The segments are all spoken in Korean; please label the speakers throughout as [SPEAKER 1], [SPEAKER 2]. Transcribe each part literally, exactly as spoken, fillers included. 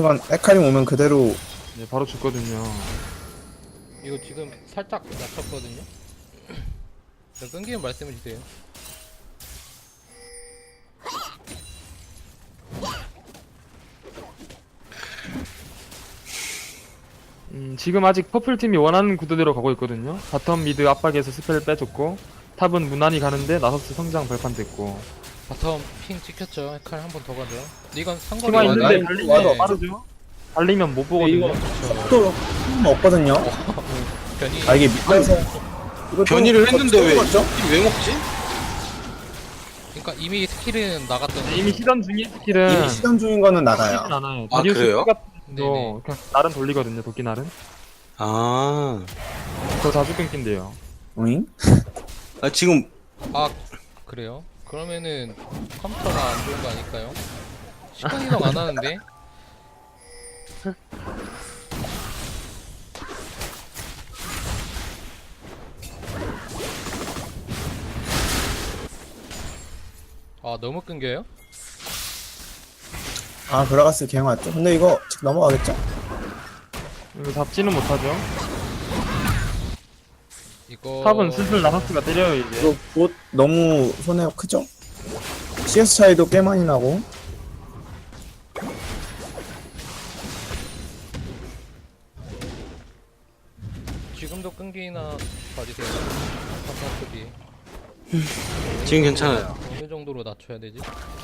[SPEAKER 1] 순간 헤카림 오면 그대로.
[SPEAKER 2] 네, 바로 죽거든요.
[SPEAKER 3] 이거 지금 살짝 낮췄거든요. 네, 끊기면 말씀해주세요.
[SPEAKER 2] 음, 지금 아직 퍼플팀이 원하는 구도대로 가고 있거든요. 바텀 미드 압박에서 스펠 빼줬고 탑은 무난히 가는데 나서스 성장 발판 됐고
[SPEAKER 3] 바텀 핑 찍혔죠. 헤칼 한 번 더 가죠. 근데 이건 상관이
[SPEAKER 2] 키만
[SPEAKER 1] 있는데
[SPEAKER 2] 있는데
[SPEAKER 1] 나이-
[SPEAKER 2] 달리면
[SPEAKER 1] 와도
[SPEAKER 2] 빠르죠? 달리면 못 보거든요.
[SPEAKER 1] 이거 또 없거든요.
[SPEAKER 3] 변이
[SPEAKER 1] 아 이게 밑에서 이거
[SPEAKER 4] 변이를 했는데 왜,
[SPEAKER 1] 죠
[SPEAKER 4] 왜 먹지?
[SPEAKER 3] 그러니까 이미 스킬은 나갔던
[SPEAKER 2] 네, 이미 시전 중인 스킬은
[SPEAKER 1] 이미 시간 중인 거는 나가요.
[SPEAKER 2] 쓰진 않아요.
[SPEAKER 4] 아,
[SPEAKER 2] 다리우스
[SPEAKER 4] 그래요?
[SPEAKER 2] 같은
[SPEAKER 3] 네네.
[SPEAKER 2] 거 그냥 날은 돌리거든요. 도끼날은
[SPEAKER 4] 아,
[SPEAKER 2] 더 자주 끊긴대요.
[SPEAKER 1] 오잉?
[SPEAKER 4] 아 지금
[SPEAKER 3] 아 그래요? 그러면은 컴퓨터가 안 좋은 거 아닐까요? 시간 이동 안 하는데? 아 너무 끊겨요?
[SPEAKER 1] 아 브라가스 갱 왔죠? 근데 이거 지금 넘어가겠죠?
[SPEAKER 2] 이거 잡지는 못하죠.
[SPEAKER 3] 이거
[SPEAKER 2] 탑은 슬슬 나서스가 때려요 이제.
[SPEAKER 1] 이거 봇 너무 손해가 크죠? 씨에스 차이도 꽤 많이 나고.
[SPEAKER 3] 지금도 끊기나 봐주세요. 컴퓨터비
[SPEAKER 4] 지금 괜찮아요.
[SPEAKER 3] 어느 정도로 낮춰야 되지?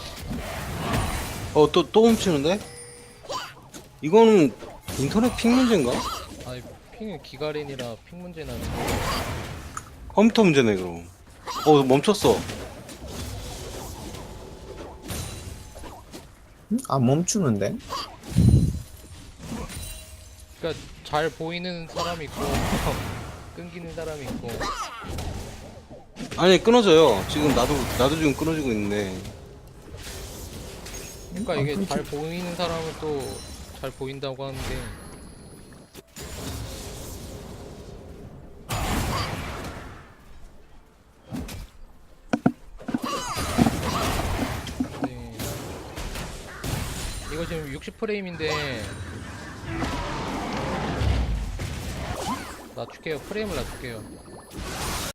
[SPEAKER 4] 어, 또, 또 훔치는데? 이거는 인터넷 픽 문제인가?
[SPEAKER 3] 아니 핑은 기가린이라 핑 문제는 아니고
[SPEAKER 4] 컴퓨터 문제네, 그럼. 어, 멈췄어.
[SPEAKER 1] 응? 안 멈추는데?
[SPEAKER 3] 그러니까 잘 보이는 사람이 있고 끊기는 사람이 있고
[SPEAKER 4] 아니, 끊어져요. 지금 나도, 나도 지금 끊어지고 있는데.
[SPEAKER 3] 그러니까
[SPEAKER 1] 아,
[SPEAKER 3] 이게
[SPEAKER 1] 끊기-
[SPEAKER 3] 잘 보이는 사람은 또 잘 보인다고 하는데 네. 이거 지금 육십 프레임인데 낮출게요. 프레임을 낮출게요.